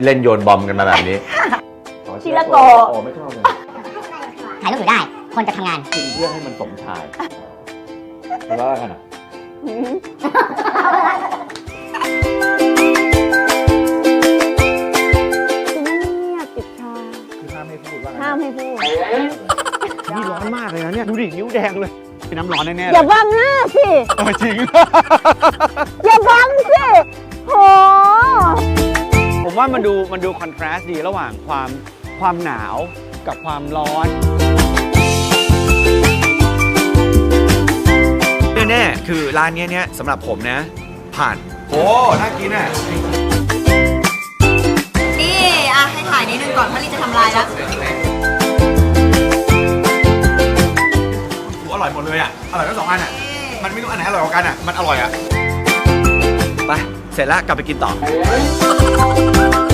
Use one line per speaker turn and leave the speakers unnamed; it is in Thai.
เล่นโยนบอมกันมาแบบนี้
ทีละโก
อ๋อไม่ชอบเลย
ถ่ายรูปอยู่ได้ คนจะทำงาน
กินเพื่อให้มันสมชายแล้วก็กันอ่ะ
คือไม่เงียบติดชา
คือห้ามให้พูดว่า
ห้ามให้พูด
นี่ร้อนมากเลยนะเนี่ยดูดินิ้วแดงเลยเป็นน้ำร้อนแน่ๆ
อ
เลย
ย่าบังหน้าสิ
จริง
อย่าบังสิโห
ผมว่ามันดูคอนทราสต์ดีระหว่างความหนาวกับความร้อนแน่ๆคือร้านนี้เนี่ยสำหรับผมนะ ผ่านโอ้น่ากินอ่ะ
นี่อ่ะให้ถ่ายนิดนึงก่อนพลีจะทำลายแล้ว
อร่อยหมดเลยอ่ะอร่อยทั้งสองอันอ่ะมันไม่รู้อันไหนอร่อยกว่ากันอ่ะมันอร่อยอ่ะไปเสร็จแล้วกลับไปกินต่อ